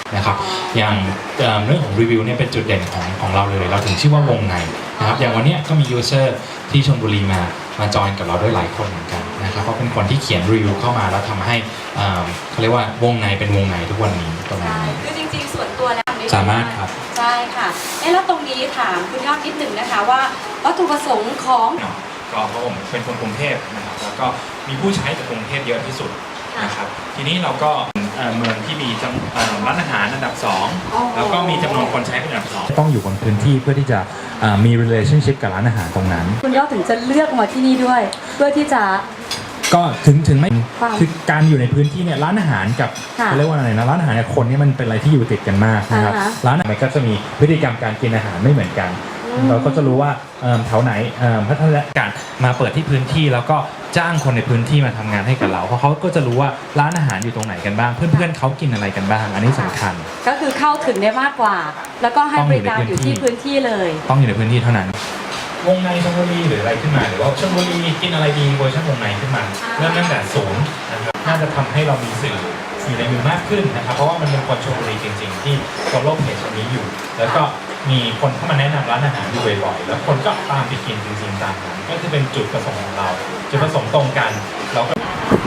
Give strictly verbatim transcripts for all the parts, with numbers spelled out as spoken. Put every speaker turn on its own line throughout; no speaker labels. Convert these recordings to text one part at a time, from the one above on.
นะครับอย่างเรื่องของรีวิวเนี่ยเป็นจุดเด่นของของเราเลยเราถึงชื่อว่าวงในนะครับอย่างวันนี้ก็มียูเซอร์ที่ชลบุรีมามาจอยกับเราด้วยหลายคนเหมือนกันนะครับเพราะเป็นคนที่เขียนรีวิวเข้ามาแล้วทำให้เขาเรียกว่าวงในเป็นวงในทุกวันนี้ตรงนี้
คือจริงๆส่วนตัวแล้ว
สามารถครับ
ใช่ค่ะเอ๊ะแล้วตรงนี้ถามคุณยอดนิดหนึ่งนะคะว่าวัตถุประสงค์ของ
ก็เพราะผมเป็นคนกรุงเทพนะครับแล้วก็มีผู้ใช้จากกรุงเทพเยอะที่สุดนะครับทีนี้เราก็เมืองที่มีร้านอาหารอันดับสองแล้วก็มีจำนวนคนใช้เป็นอันดับสองต้องอยู่บนพื้นที่เพื่อที่จะมี relationship กับร้านอาหารตรงนั้น
คุณยอดถึงจะเลือกมาที่นี่ด้วยเพื่อที่จะ
ก็ถึงถึงไม่คือการอยู่ในพื้นที่เนี่ยร้านอาหารกับเขาเรียกว่าอะไรนะร้านอาหารกับคนเนี่ยมันเป็นอะไรที่อยู่ติดกันมากนะครับร้านอาหารก็จะมีพฤติกรรมการกินอาหารไม่เหมือนกันเราก็จะรู้ว่าแถวไหนพัฒนาการมาเปิดที่พื้นที่แล้วก็จ้างคนในพื้นที่มาทำงานให้กับเราเพราะเขาก็จะรู้ว่าร้านอาหารอยู่ตรงไหนกันบ้างเพื่อนๆเขากินอะไรกันบ้างอันนี้สำคัญ
ก็คือเข้าถึงได้มากกว่าแล้วก็ให้บริการอยู่ที่พื้นที่เลย
ต้องอยู่ในพื้นที่เท่านั้นวงในชลบุรีหรืออะไรขึ้นมาหรือว่าชลบุรีกินอะไรดีเวอร์ชันวงในขึ้นมาเริ่มตั้งแต่ศูนย์นะครับน่าจะทำให้เรามีสื่ออยู่ในมือมากขึ้นนะครับเพราะว่ามันเป็นคนชลบุรีจริงๆที่ฟอลโล่เพจนี้อยู่แล้วก็มีคนเข้ามาแนะนำร้านอาหารอยู่บ่อยๆแล้วคนก็ตามไปกินจริงๆตามนั้นก็คือเป็นจุดประสงค์ของเราจุดประสงค์ตรงกันเราก็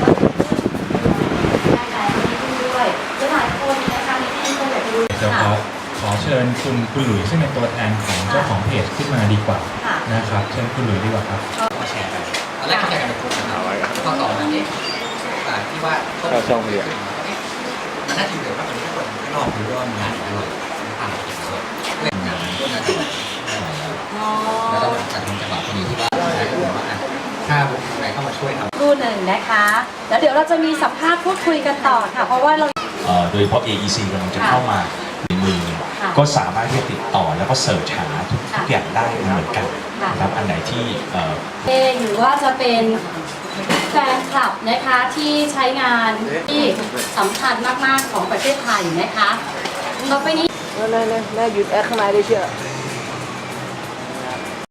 ด้วยหลายคนนะคะที่คนอยากดู
จะขอขอเชิญคุณคุณหลุยซึ่งเป็นตัวแทนของเจ้าของเพจขึ้นมาดีกว่านะครับเชิญคุณหลุยดีกว่าครับ
มาแชร์กันตอนแรกเข้าใจกันเป็นกลุ่มกันเอาไว้ข้อสองอันนี้ที่ว่า
เข้าช่องเรียน
มันน่าจะเหลือว่าตอนนี้คนข้างนอกรู้ว่ามีงานอะไรผ่านเล่นงานก็น่าจะแล้วเราจัดทำจังหวะพอดีที่ว่าถ้าวงไหนเข้ามาช่วยทำ
รูหนึ่งนะคะแล้วเดี๋ยวเราจะมีสัมภาษณ์พูดคุยกันต่อค่ะเพราะว่าเรา
โดยเฉพาะ เอ อี ซี กำลังจะเข้ามาในมือก็สามารถที่จะติดต่อแล้วก็เสิร์ชหาทุกอย่างได้เหมือนกันนะครับอันไหนที่
เองหรือว่าจะเป็นแฟนคลับนะคะที่ใช้งานที่สำคัญมากๆของประเทศไทยนะคะต่อไปนี้
แน่แน่แน่หยุดแอคข้างในได้เชียว